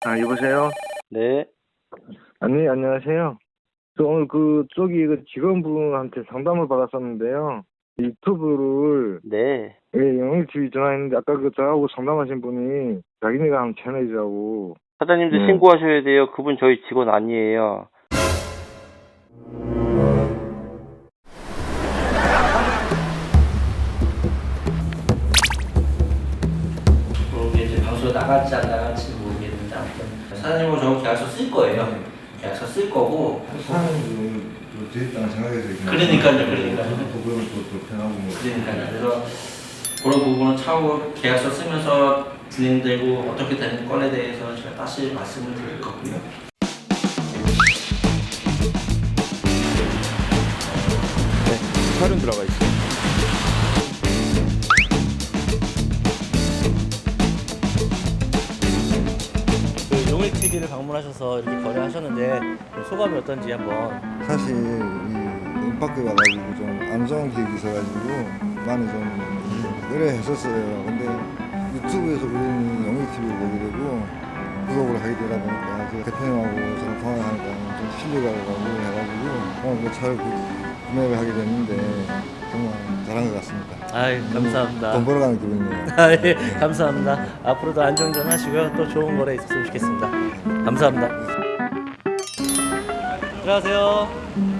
여보세요? 네. 아니, 안녕하세요. 저 오늘 저기 직원분한테 상담을 받았었는데요. 유튜브를, 네. 영일TV 전화했는데, 아까 저하고 상담하신 분이 자기네가 한 채널이라고. 사장님도 네. 신고하셔야 돼요. 그분 저희 직원 아니에요. 그게 이제 방송에 나갈지 안 나갈지는 모르겠는데 아무튼 사장님은 저거 계약서 쓸 거예요. 계약서 쓸 거고. 사람은 제 입장 생각해서 그러니까요. 그거는 또 편하고 뭐. 그러니까요. 그래서 그런 부분은 차후 계약서 쓰면서 진행되고 어떻게 되는 건에 대해서 제가 다시 말씀을 드릴 거고요. 촬영 들어가 있어요. 용일 TV를 방문하셔서 이렇게 거래하셨는데 소감이 어떤지 한번. 사실 이 임파크에 와가지고 좀 안 좋은 기억이 있어가지고 많이 좀 의뢰했었어요. 근데 유튜브에서 우리는 영일 TV를 보게 되고 구독을 하게 되다 보니까 그 대표님하고 저랑 통화하니까 좀 신뢰가 가고 해가지고 오늘 그 차를 구매를 하게 됐는데 정말 잘한 것 같습니다. 아이, 감사합니다. 돈 벌어가는 기분이네요. 아, 예, 감사합니다. 앞으로도 안정전 하시고요. 또 좋은 거래 있었으면 좋겠습니다. 감사합니다. 들어가세요.